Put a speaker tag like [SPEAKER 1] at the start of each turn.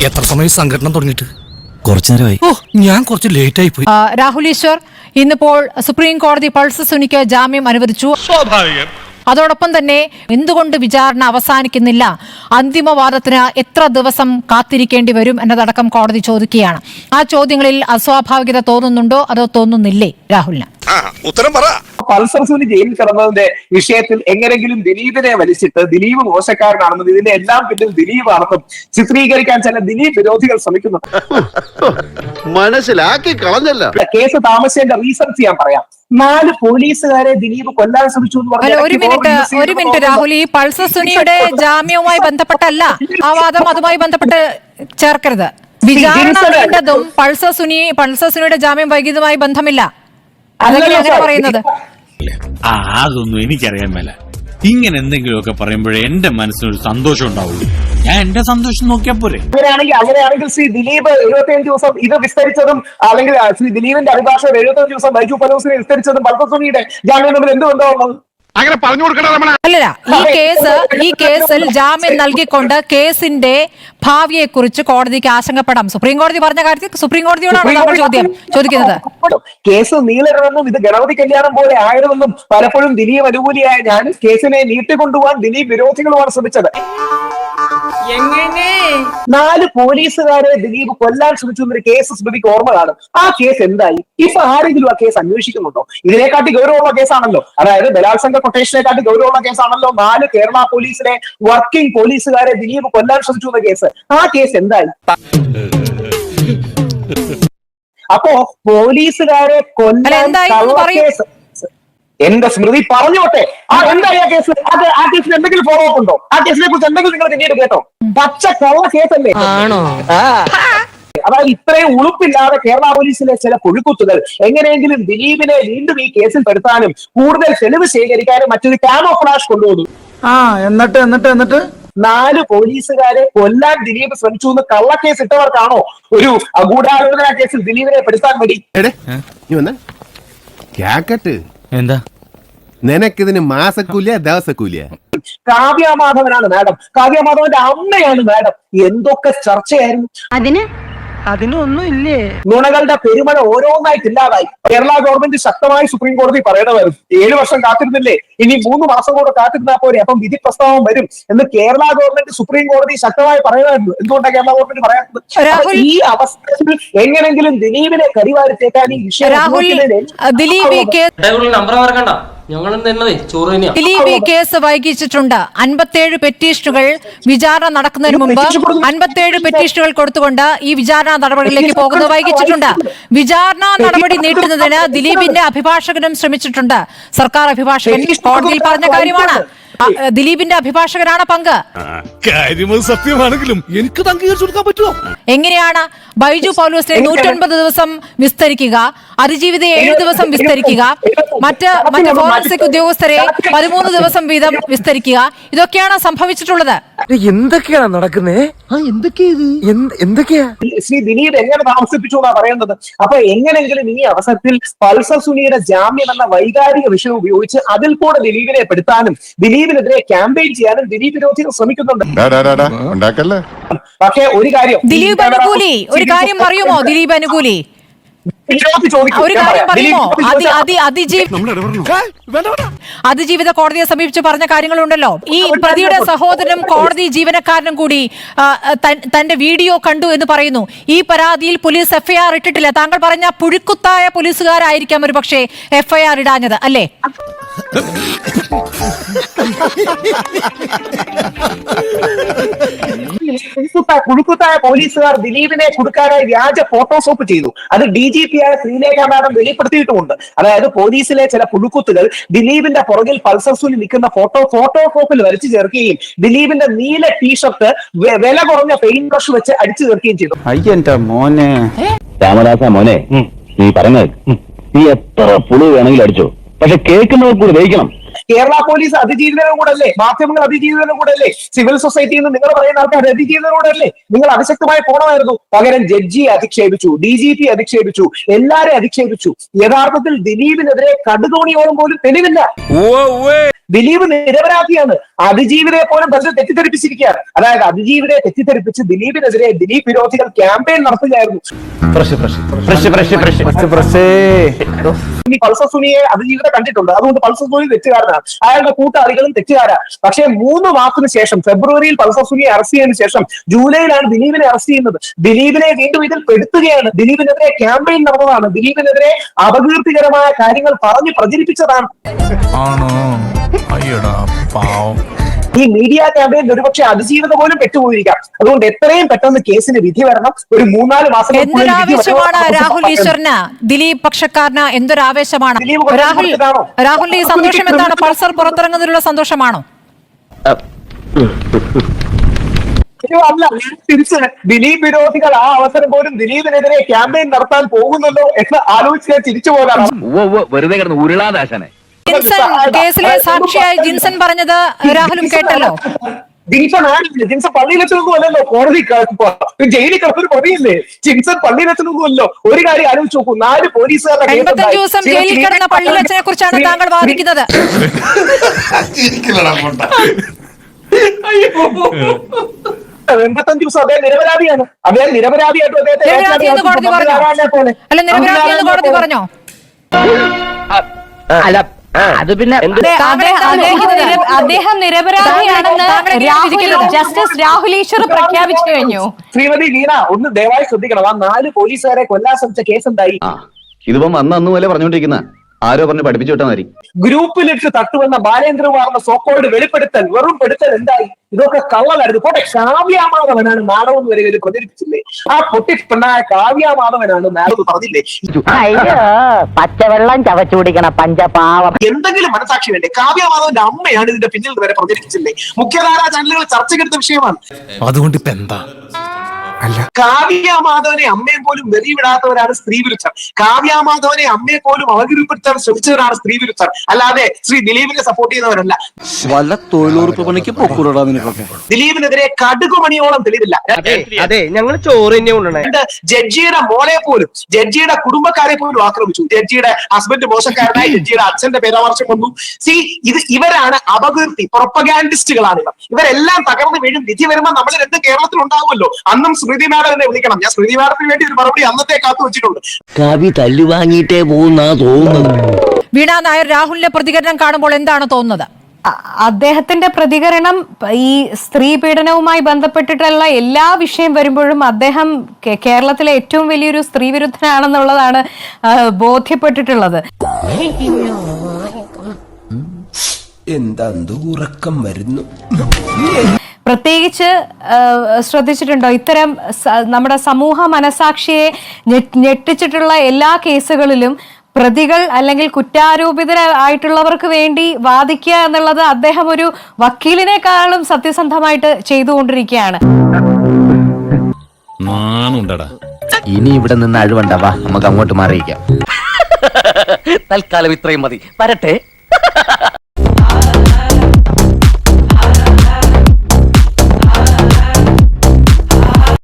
[SPEAKER 1] എത്ര സമയം സംഘടന തുടങ്ങിയിട്ട്?
[SPEAKER 2] കുറച്ചു നേരമായി.
[SPEAKER 1] ഞാൻ കുറച്ച് ലേറ്റ് ആയി പോയി.
[SPEAKER 3] രാഹുൽ ഈശ്വർ, ഇന്നിപ്പോൾ സുപ്രീം കോടതി പൾസർ സുനിക്ക് ജാമ്യം അനുവദിച്ചു. സ്വാഭാവികം. അതോടൊപ്പം തന്നെ എന്തുകൊണ്ട് വിചാരണ അവസാനിക്കുന്നില്ല, അന്തിമവാദത്തിന് എത്ര ദിവസം കാത്തിരിക്കേണ്ടി വരും എന്നതടക്കം കോടതി ചോദിക്കുകയാണ്. ആ ചോദ്യങ്ങളിൽ അസ്വാഭാവികത തോന്നുന്നുണ്ടോ അതോ തോന്നുന്നില്ലേ രാഹുലിന്?
[SPEAKER 4] ഉത്തരം പറ. പൾസർ സുനി ജയിലിൽ കിടന്നതിന്റെ വിഷയത്തിൽ എങ്ങനെങ്കിലും ദിലീപിനെ വലിച്ചിട്ട് ദിലീപ് മോശക്കാരനാണെന്നും ഇതിന്റെ എല്ലാം പിന്നിൽ ദിലീപാണെന്നും ചിത്രീകരിക്കാൻ ചില ദിലീപ് വിരോധികൾ ശ്രമിക്കുന്നുണ്ട്.
[SPEAKER 5] മനസ്സിലാക്കി കളഞ്ഞല്ല.
[SPEAKER 4] കേസ് താമസിച്ചതിന്റെ റീസൺസ് ഞാൻ പറയാം. 4 പോലീസുകാരെ ദിലീപ് കൊല്ലാൻ ശ്രമിച്ചു എന്ന് പറഞ്ഞാൽ
[SPEAKER 3] ഒരു മിനിറ്റ് രാഹുൽ, ഈ പൾസർ സുനിയുടെ ജാമ്യവുമായി ബന്ധപ്പെട്ടല്ല ആ വാദം, അതുമായി ബന്ധപ്പെട്ട് ചേർക്കരുത്. വിചാരണ വേണ്ടതും പൾസർ സുനിയുടെ ജാമ്യം വൈകിയതുമായി ബന്ധമില്ല. അതെങ്ങനെ അങ്ങനെ പറയുന്നത്?
[SPEAKER 6] അതൊന്നും എനിക്കറിയാൻ മേല. ഇങ്ങനെ എന്തെങ്കിലുമൊക്കെ പറയുമ്പോഴേ എന്റെ മനസ്സിനൊരു സന്തോഷം ഉണ്ടാവുള്ളൂ. ഞാൻ എന്റെ സന്തോഷം നോക്കിയാ പോരെ.
[SPEAKER 4] അങ്ങനെയാണെങ്കിൽ ശ്രീ ദിലീപ് 75 ദിവസം ഇത് വിസ്തരിച്ചതും, അല്ലെങ്കിൽ ശ്രീ ദിലീപിന്റെ അഭിഭാഷകർ 75 ദിവസം ബൈജു പലോസിനെ വിസ്തരിച്ചതും പൾസർ സുനിയുടെ ജാമ്യം തമ്മിൽ എന്ത് ബന്ധമാണുള്ളത്?
[SPEAKER 5] അങ്ങനെ പറഞ്ഞു കൊടുക്കണം.
[SPEAKER 3] അല്ലല്ല, ഈ കേസിൽ ജാമ്യം നൽകിക്കൊണ്ട് കേസിന്റെ ഭാവിയെ കുറിച്ച് കോടതിക്ക് ആശങ്കപ്പെടാം. സുപ്രീം കോടതി പറഞ്ഞ കാര്യത്തിൽ സുപ്രീം കോടതിയോടാണ് നമ്മൾ ചോദിക്കുന്നത്.
[SPEAKER 4] കേസ് നീളരുതെന്നും ഇത് ഗണപതി കല്യാണം പോലെ ആയിരുന്നെന്നും പലപ്പോഴും ദിലീപ് അനുകൂലിയായ ഞാൻ കേസിനെ നീട്ടിക്കൊണ്ടുപോകാൻ ദിലീപ് വിരോധികളുമാണ് ശ്രമിച്ചത്. 4 പോലീസുകാരെ ദിലീപ് കൊല്ലാൻ ശ്രമിച്ചു എന്നൊരു കേസ് സ്മൃതിക്ക് ഓർമ്മ കാണും. ആ കേസ് എന്തായി? ഇപ്പൊ ആരെങ്കിലും ആ കേസ് അന്വേഷിക്കുന്നുണ്ടോ? ഇതിനെക്കാട്ടി ഗൗരവമുള്ള കേസാണല്ലോ, അതായത് ബലാത്സംഗ കൊട്ടേഷനെക്കാട്ടി ഗൗരവമുള്ള കേസാണല്ലോ 4 കേരള പോലീസിലെ വർക്കിംഗ് പോലീസുകാരെ ദിലീപ് കൊല്ലാൻ ശ്രമിച്ചു എന്ന കേസ്. ആ കേസ് എന്തായി? അപ്പോ പോലീസുകാരെ കൊല്ലാൻ കേസ് എന്റെ സ്മൃതി പറഞ്ഞോട്ടെ. എന്തായി ആ കേസ്? ആ കേസിൽ എന്തെങ്കിലും ഫോളോ അപ്പ് ഉണ്ടോ? ആ കേസിനെ കുറിച്ച് എന്തെങ്കിലും നിങ്ങൾ പിന്നീട് കേട്ടോ? പച്ച കള്ള കേസല്ലേ? അതായത് ഇത്രയും ഉളുപ്പില്ലാതെ കേരള പോലീസിലെ ചില പുഴുക്കുത്തുകൾ എങ്ങനെയെങ്കിലും ദിലീപിനെ വീണ്ടും ഈ കേസിൽ പെടുത്താനും കൂടുതൽ തെളിവ് ശേഖരിക്കാനും മറ്റൊരു ക്യാമോഫ്ലാഷ് കൊണ്ടുവന്നു.
[SPEAKER 7] എന്നിട്ട്
[SPEAKER 4] 4 പോലീസുകാരെ കൊല്ലാൻ ദിലീപ് ശ്രമിച്ചു എന്ന് കള്ളക്കേസ് ഇട്ടവർക്കാണോ ഒരു ഗൂഢാലോചന കേസിൽ ദിലീപിനെ പെടുത്താൻ വേണ്ടി?
[SPEAKER 2] എന്താ
[SPEAKER 5] നിനക്കിതിന് മാസക്കൂലിയ ദിവസക്കൂലിയ?
[SPEAKER 4] കാവ്യമാധവനാണ് മാഡം, കാവ്യമാധവന്റെ അമ്മയാണ് മാഡം. എന്തൊക്കെ ചർച്ചയായിരുന്നു.
[SPEAKER 7] അതിനൊന്നും ഇല്ലേ?
[SPEAKER 4] നുണകളുടെ പെരുമഴ ഓരോന്നായിട്ട് ഇല്ലാതായി. കേരള ഗവൺമെന്റ് ശക്തമായി സുപ്രീം കോടതി പറയണമായിരുന്നു, 7 വർഷം കാത്തിരുന്നില്ലേ, ഇനി 3 മാസം കൂടെ കാത്തിരുന്നാൽ പോരെ, അപ്പം വിധി പ്രസ്താവം വരും എന്ന് കേരള ഗവൺമെന്റ് സുപ്രീം കോടതി ശക്തമായി പറയണമായിരുന്നു. എന്തുകൊണ്ടാണ് കേരള ഗവൺമെന്റ് പറയാത്തത്? ഈ അവസ്ഥയിൽ എങ്ങനെങ്കിലും ദിലീപിനെ കരിവാരിത്തേക്കാൻ ഈ വിഷയം
[SPEAKER 3] ദിലീപ് ഈ കേസ് വൈകിച്ചിട്ടുണ്ട്. 57 പെറ്റീഷനുകൾ വിചാരണ നടക്കുന്നതിന് മുമ്പ് 57 പെറ്റീഷനുകൾ കൊടുത്തുകൊണ്ട് ഈ വിചാരണ നടപടികളിലേക്ക് പോകുന്നത് വൈകിച്ചിട്ടുണ്ട്. വിചാരണ നടപടി നീട്ടുന്നതിന് ദിലീപിന്റെ അഭിഭാഷകനും ശ്രമിച്ചിട്ടുണ്ട്. സർക്കാർ അഭിഭാഷകൻ കോടതിയിൽ പറഞ്ഞ കാര്യമാണ്. ദിലീപിന്റെ അഭിഭാഷകരാണ് പങ്ക്.
[SPEAKER 1] സത്യമാണെങ്കിലും എനിക്ക് അംഗീകരിച്ചു കൊടുക്കാൻ പറ്റുമോ?
[SPEAKER 3] എങ്ങനെയാണ് ബൈജു പൗലോസിനെ 109 ദിവസം വിസ്തരിക്കുക, അതിജീവിതയെ 7 ദിവസം വിസ്തരിക്കുക, മറ്റ് ഫോറൻസിക് ഉദ്യോഗസ്ഥരെ 13 ദിവസം വീതം വിസ്തരിക്കുക? ഇതൊക്കെയാണ് സംഭവിച്ചിട്ടുള്ളത്.
[SPEAKER 7] എന്തൊക്കെയാണ് നടക്കുന്നത്? എന്തൊക്കെയാ
[SPEAKER 4] ശ്രീ ദിലീപ് എങ്ങനെ താമസിപ്പിച്ചു എന്നാ പറയുന്നത്. അപ്പൊ എങ്ങനെങ്കിലും ഈ അവസരത്തിൽ പൾസർ സുനിയുടെ ജാമ്യം എന്ന വൈകാരിക വിഷയം ഉപയോഗിച്ച് അതിൽ കൂടെ ദിലീപിനെ പെടുത്താനും ദിലീപിനെതിരെ ക്യാമ്പയിൻ ചെയ്യാനും ദിലീപ് വിരോധികൾ ശ്രമിക്കുന്നുണ്ട്. പക്ഷേ ഒരു കാര്യം,
[SPEAKER 3] ദിലീപ് അനുകൂലി ഒരു കാര്യം പറയുമോ? ദിലീപ് അനുകൂലി ഒരു കാര്യം പറയുമോ? അതിജീവിത കോടതിയെ സമീപിച്ച് പറഞ്ഞ കാര്യങ്ങളുണ്ടല്ലോ. ഈ പ്രതിയുടെ സഹോദരനും കോടതി ജീവനക്കാരനും കൂടി തന്റെ വീഡിയോ കണ്ടു എന്ന് പറയുന്നു. ഈ പരാതിയിൽ പോലീസ് എഫ്ഐആർ ഇട്ടിട്ടില്ല. താങ്കൾ പറഞ്ഞ പുഴുക്കുത്തായ പോലീസുകാരായിരിക്കാം ഒരു പക്ഷേ എഫ്ഐആർ ഇടാഞ്ഞത്, അല്ലേ?
[SPEAKER 4] കുഴുക്കുത്തായ പോലീസുകാർ ദിലീപിനെ കൊടുക്കാനായി വ്യാജ ഫോട്ടോഷോപ്പ് ചെയ്തു. അത് DGP ആയ ശ്രീലേഖ മാഡം വെളിപ്പെടുത്തിയിട്ടുമുണ്ട്. അതായത് പോലീസിലെ ചില പുഴുക്കുത്തുകൾ ദിലീപിന്റെ പുറകിൽ പൾസർ സുനി നിൽക്കുന്ന ഫോട്ടോഷോപ്പിൽ വരച്ചു ചേർക്കുകയും ദിലീപിന്റെ നീല ടീഷർട്ട് വില കുറഞ്ഞ പെയിന്റ് ബ്രഷ് വെച്ച് അടിച്ചു ചേർക്കുകയും ചെയ്തു.
[SPEAKER 2] അയ്യന്റെ മോനെ
[SPEAKER 8] രാമദാസ മോനെ, നീ പറഞ്ഞത് നീ എത്ര പുളു വേണമെങ്കിലും അടിച്ചോ, പക്ഷെ കേൾക്കുന്നവർ കൂടി ദഹിക്കണം.
[SPEAKER 4] കേരള പോലീസ് അതിജീവിതനും കൂടെ അല്ലേ? മാധ്യമങ്ങൾ അതിജീവിതനും കൂടെ അല്ലേ? സിവിൽ സൊസൈറ്റിയിൽ നിന്ന് നിങ്ങൾ പറയുന്ന ആൾക്കാർ അതിജീവിതനും കൂടെ അല്ലേ? നിങ്ങൾ അതിശക്തമായി പോണമായിരുന്നു. പകരം ജഡ്ജിയെ അധിക്ഷേപിച്ചു, DGP അധിക്ഷേപിച്ചു, എല്ലാരെയും അധിക്ഷേപിച്ചു. യഥാർത്ഥത്തിൽ ദിലീപിനെതിരെ കടുതോണിയോളം പോലും തെളിവില്ല. ദിലീപ് നിരപരാധിയാണ്. അതിജീവിതയെ പോലും ബന്ധം തെറ്റിദ്ധരിപ്പിച്ചിരിക്കുകയാണ്. അതായത് അതിജീവിതയെ തെറ്റിദ്ധരിപ്പിച്ച് ദിലീപിനെതിരെ ദിലീപ് വിരോധികൾ ക്യാമ്പയിൻ നടത്തുകയായിരുന്നു. ഇനി പൾസർ സുനിയെ അതിജീവിത കണ്ടിട്ടുണ്ട്, അതുകൊണ്ട് പൾസർ സുനി തെറ്റുകാരനാണ്, അയാളുടെ കൂട്ടാളികളും തെറ്റുകാരാണ്. പക്ഷേ 3 മാസത്തിന് ശേഷം ഫെബ്രുവരിയിൽ പൾസർ സുനിയെ അറസ്റ്റ് ചെയ്തതിനു ശേഷം ജൂലൈയിലാണ് ദിലീപിനെ അറസ്റ്റ് ചെയ്യുന്നത്. ദിലീപിനെ വീണ്ടും ഇതിൽ പെടുത്തുകയാണ്. ദിലീപിനെതിരെ ക്യാമ്പയിൻ നടന്നതാണ്, ദിലീപിനെതിരെ അപകീർത്തികരമായ കാര്യങ്ങൾ പറഞ്ഞ് പ്രചരിപ്പിച്ചതാണ്. ഈ മീഡിയ ക്യാമ്പയിൻ ഒരുപക്ഷെ അതിജീവിത പോലും പെട്ടുപോയിരിക്കാം. അതുകൊണ്ട് എത്രയും പെട്ടെന്ന് കേസിന് വിധി വരണം. ഒരു 3-4 മാസം
[SPEAKER 3] എന്തൊരാവേശമാണ് രാഹുൽ ഈശ്വറിന്, ദിലീപ് പക്ഷക്കാരന് എന്തൊരാവേശമാണ്. രാഹുലിന്റെ ഈ സന്തോഷം എന്താണ്? പൾസർ പുറത്തിറങ്ങുന്നതിലുള്ള സന്തോഷമാണോ?
[SPEAKER 4] അല്ല, തിരിച്ച് ദിലീപ് വിരോധികൾ ആ അവസരം പോലും ദിലീപിനെതിരെ ക്യാമ്പയിൻ നടത്താൻ പോകുന്നല്ലോ എന്ന് ആലോചിച്ച് തിരിച്ചു പോകാനാണ്.
[SPEAKER 8] വെറുതെ കിടന്ന് ഉരുളാദാശനെ.
[SPEAKER 3] ജിൻസൺ കേസിലെ സാക്ഷിയായി ജിൻസൺ പറഞ്ഞത് രാഹുലും കേട്ടല്ലോ.
[SPEAKER 4] ജിൻസൺ ആരില്ല, ജിൻസൺ പള്ളിയിലെത്തുന്നൊന്നും അല്ലല്ലോ, കോടതി ജയിലിൽ കിടന്നൊരു പ്രതിയില്ലേ. ജിൻസൺ പള്ളിയിലെത്തുന്നൊന്നുമല്ലോ. ഒരു കാര്യം ആലോചിച്ച് നോക്കൂ, 4 പോലീസുകാരുടെ
[SPEAKER 3] 85 ദിവസം ജയിലിൽ കിടന്ന പള്ളിയിലച്ചനെ കുറിച്ചാണ് താങ്കൾ വാദിക്കുന്നത്.
[SPEAKER 4] 85 ദിവസം അദ്ദേഹം നിരപരാധിയാണ്. അദ്ദേഹം നിരപരാധിയായിട്ടും
[SPEAKER 3] നിരപരാധിയെന്ന് കോടതി പറഞ്ഞോ? അല്ല, നിരപരാധിയെന്ന് കോടതി പറഞ്ഞോ?
[SPEAKER 7] അല്ല അത് പിന്നെ
[SPEAKER 9] അദ്ദേഹം നിരപരാധിയാണെന്ന് ജസ്റ്റിസ് രാഹുൽ ഈശ്വർ പ്രഖ്യാപിച്ചു കഴിഞ്ഞു.
[SPEAKER 4] ശ്രീമതി വീണ ഒന്ന് ദയവായി ശ്രദ്ധിക്കണം. ആ 4 പോലീസുകാരെ കൊല്ലാൻ ശ്രമിച്ച കേസ് എന്തായി?
[SPEAKER 8] ഇതിപ്പം അന്ന് പോലെ പറഞ്ഞോണ്ടിരിക്കുന്ന ആരോ പറഞ്ഞ് പഠിപ്പിച്ചു വിട്ടാൽ മതി.
[SPEAKER 4] ഗ്രൂപ്പിലിട്ട് തട്ടുവന്ന ബാലേന്ദ്രകുമാറിന്റെ സോക്കോൾഡ് വെളിപ്പെടുത്തൽ, വെറും പെടുത്തൽ എന്തായി? ഇതൊക്കെ കള്ളലായിരുന്നു. പോട്ടെ, കാവ്യാമാധവനാണ് നാടകം വരെ ഇവര് പ്രചരിപ്പിച്ചില്ലേ? ആ പൊട്ടിപ്പെണ്ണായ കാവ്യാമാധവനാണ് നാടകം പറഞ്ഞില്ലേ?
[SPEAKER 9] അയ്യോ, പച്ചവെള്ളം ചവച്ചു കുടിക്കണ പഞ്ചപാവം.
[SPEAKER 4] എന്തെങ്കിലും മനസാക്ഷി വേണ്ടേ? കാവ്യാമാധവന്റെ അമ്മയാണ് ഇതിന്റെ പിന്നിൽ വരെ പ്രചരിപ്പിച്ചില്ലേ? മുഖ്യധാരാ ചാനലുകൾ ചർച്ചയ്ക്കെടുത്ത വിഷയമാണ്.
[SPEAKER 1] അതുകൊണ്ട് ഇപ്പൊ എന്താ?
[SPEAKER 4] കാവ്യാമാധവനെ അമ്മയെ പോലും വെറിവിടാത്തവരാണ് സ്ത്രീ വിരുദ്ധർ. കാവ്യാമാധവനെ അമ്മയെ പോലും അവഗണിപ്പെടുത്താൻ ശ്രമിച്ചവരാണ് സ്ത്രീ വിരുദ്ധർ. അല്ലാതെ ശ്രീ ദിലീപിനെ സപ്പോർട്ട് ചെയ്യുന്നവരല്ല.
[SPEAKER 2] വല്ല തൊഴിലുറപ്പ് പണിക്ക് പൊക്കൂടാ നിനക്കൊക്കെ.
[SPEAKER 4] ദിലീപിനെതിരെ കടുകുമണിയോളം തെളിവില്ല.
[SPEAKER 7] അതെ, ഞങ്ങൾ ചോറ് തന്നെ കൊണ്ടുവന്നേ.
[SPEAKER 4] ജഡ്ജിയുടെ മോളെ പോലും, ജഡ്ജിയുടെ കുടുംബക്കാരെ പോലും ആക്രമിച്ചു. ജഡ്ജിയുടെ ഹസ്ബൻഡ് മോശക്കാരനായി ജഡ്ജിയുടെ അച്ഛന്റെ പരാമർശം വന്നു. ഇവരാണ് അപകീർത്തി പ്രൊപ്പഗാൻഡിസ്റ്റുകളാണ് ഇവർ. ഇവരെല്ലാം തകർന്ന് വീഴും. വിധി വരുമ്പോൾ നമ്മുടെ രംഗം കേരളത്തിൽ ഉണ്ടാവുമല്ലോ. അന്നും സ്മൃതി മാഡത്തിനെ വിളിക്കണം. ഞാൻ സ്മൃതി മാഡത്തിന് വേണ്ടി ഒരു മറുപടി അന്നത്തെ കാത്തു വെച്ചിട്ടുണ്ട്.
[SPEAKER 7] കവി തല്ലു വാങ്ങിയിട്ടേ പോകുന്ന തോന്നുന്നു.
[SPEAKER 3] വീണ നായർ, രാഹുലിന്റെ പ്രതികരണം കാണുമ്പോൾ എന്താണ് തോന്നുന്നത്?
[SPEAKER 9] അദ്ദേഹത്തിന്റെ പ്രതികരണം ഈ സ്ത്രീ പീഡനവുമായി ബന്ധപ്പെട്ടിട്ടുള്ള എല്ലാ വിഷയം വരുമ്പോഴും അദ്ദേഹം കേരളത്തിലെ ഏറ്റവും വലിയൊരു സ്ത്രീ വിരുദ്ധനാണെന്നുള്ളതാണ് ബോധ്യപ്പെട്ടിട്ടുള്ളത്.
[SPEAKER 7] എന്താ ഉറക്കം വരുന്നു.
[SPEAKER 9] പ്രത്യേകിച്ച് ശ്രദ്ധിച്ചിട്ടുണ്ടോ, ഇത്തരം നമ്മുടെ സമൂഹ മനസാക്ഷിയെ ഞെട്ടിച്ചിട്ടുള്ള എല്ലാ കേസുകളിലും പ്രതികൾ അല്ലെങ്കിൽ കുറ്റാരോപിതരായിട്ടുള്ളവർക്ക് വേണ്ടി വാദിക്കുക എന്നുള്ളത് അദ്ദേഹം ഒരു വക്കീലിനേക്കാളും സത്യസന്ധമായിട്ട് ചെയ്തുകൊണ്ടിരിക്കുകയാണ്.
[SPEAKER 2] ഇനി ഇവിടെ നിന്ന് അഴിവണ്ടാവാ, നമുക്ക് അങ്ങോട്ട് മാറിയിക്കാം.
[SPEAKER 7] തൽക്കാലം ഇത്രയും മതി. വരട്ടെ.